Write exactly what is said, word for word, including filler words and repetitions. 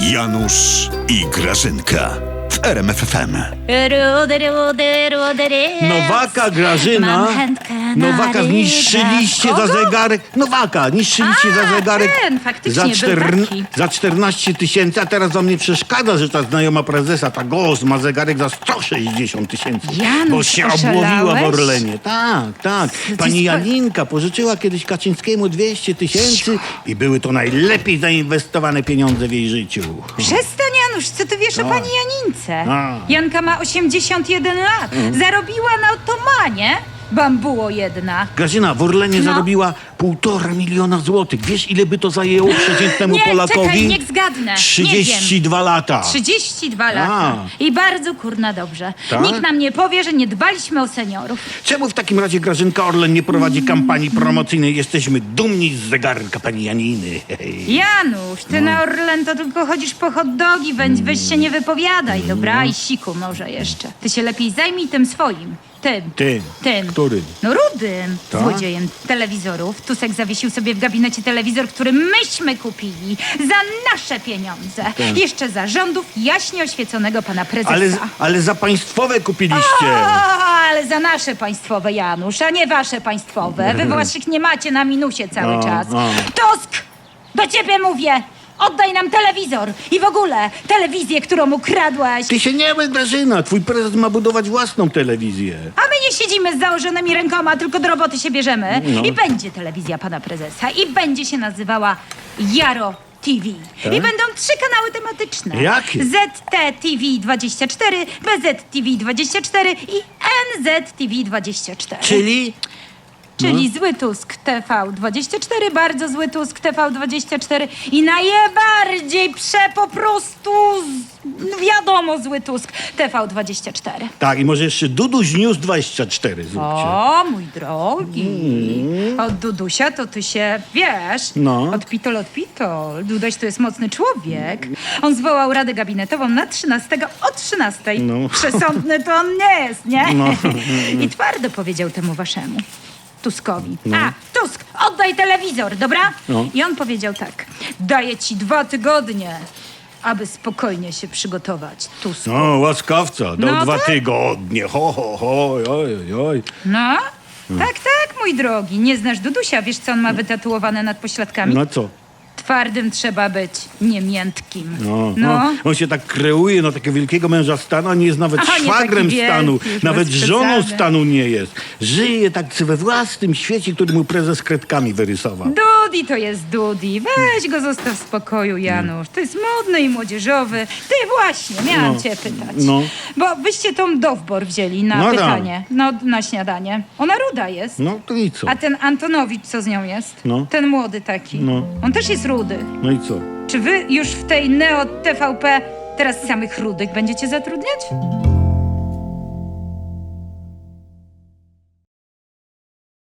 Janusz i Grażynka w R M F F M. Rudy, rudy, rudy, ry. Nowaka, Grażyna. Mam chętkę na Nowaka zniszczyliście rybę. za Kogo? zegarek. Nowaka, niszczyliście A, za zegarek. ten, faktycznie za, był cztern- taki. za czternaście tysięcy, a teraz wam nie przeszkadza, że ta znajoma prezesa, ta Gos, ma zegarek za sto sześćdziesiąt tysięcy. Janusz, Bo się oszalałeś? obłowiła w Orlenie. Tak, tak. ty Pani spo- Janinka pożyczyła kiedyś Kaczyńskiemu dwieście tysięcy i były to najlepiej zainwestowane pieniądze w jej życiu. Przestań, Janusz, co ty wiesz o pani Janince? A. Janka ma osiemdziesiąt jeden lat. Zarobiła na otomanie bambuło jedna. Grażyna w Orlenie No. zarobiła półtora miliona złotych. Wiesz, ile by to zajęło przeciętnemu Nie, Polakowi? czekaj, niech zgadnę. trzydzieści dwa lata. trzydzieści dwa lata. A. I bardzo kurna dobrze. Tak? Nikt nam nie powie, że nie dbaliśmy o seniorów. Czemu w takim razie Grażynka Orlen nie prowadzi kampanii promocyjnej? Jesteśmy dumni z zegarka pani Janiny. Hej. Janusz, ty No. na Orlen to tylko chodzisz po hot dogi, weź, weź się nie wypowiadaj, dobra? I siku może jeszcze. Ty się lepiej zajmij tym swoim. Tym. Tym. Tym. Którym? No rudym. Tak? Złodziejem telewizorów. Tusek zawiesił sobie w gabinecie telewizor, który myśmy kupili za nasze pieniądze. Tak. Jeszcze za rządów jaśnie oświeconego pana prezesa. Ale, ale za państwowe kupiliście. O, ale za nasze państwowe, Janusz, a nie wasze państwowe. Wy waszych nie macie na minusie cały O, czas. o. Tusk! Do ciebie mówię! Oddaj nam telewizor i w ogóle telewizję, którą ukradłeś. Ty się nie myl, Grażyna. Twój prezes ma budować własną telewizję. A my nie siedzimy z założonymi rękoma, tylko do roboty się bierzemy. No. I będzie telewizja pana prezesa. I będzie się nazywała Jaro T V. Tak? I będą trzy kanały tematyczne. Jakie? Z T T V dwadzieścia cztery, B Z T V dwadzieścia cztery i N Z T V dwadzieścia cztery. Czyli? Czyli zły Tusk T V dwadzieścia cztery, bardzo zły Tusk T V dwadzieścia cztery i najbardziej prze po prostu z, wiadomo zły Tusk T V dwadzieścia cztery. Tak, i może jeszcze Duduś News dwadzieścia cztery zróbcie. O, mój drogi. Od Dudusia to ty się, wiesz, No. od pitol, od pitol. Duduś to jest mocny człowiek. On zwołał radę gabinetową na trzynastego o trzynastej. No. Przesądny to on nie jest, nie? No. I twardo powiedział temu waszemu Tuskowi. A, Tusk, oddaj telewizor, dobra? No. I on powiedział tak. Daję ci dwa tygodnie, aby spokojnie się przygotować, Tusk. No, łaskawca, dał No dwa tak. tygodnie. Ho, ho, ho, oj, oj, oj. No? Tak, tak, mój drogi. Nie znasz Dudusia, wiesz co on ma wytatuowane nad pośladkami? No co? Twardym trzeba być, nie miętkim. No, No. no. On się tak kreuje na takiego wielkiego męża stanu, a nie jest nawet Aha, nie szwagrem taki stanu. wielki, już Nawet bez żoną przesady. stanu nie jest. Żyje tak we własnym świecie, który mu prezes kredkami wyrysował. Dudi to jest Dudi. Weź go zostaw w spokoju, Janusz. To jest modny i młodzieżowy. Ty właśnie, miałam No. cię pytać. No. Bo wyście tą Dowbor wzięli na No tak. pytanie. No, na śniadanie. Ona ruda jest. No to i co? A ten Antonowicz, co z nią jest? No. Ten młody taki. No. On też jest rudy. No i co? Czy wy już w tej Neo T V P teraz samych rudych będziecie zatrudniać?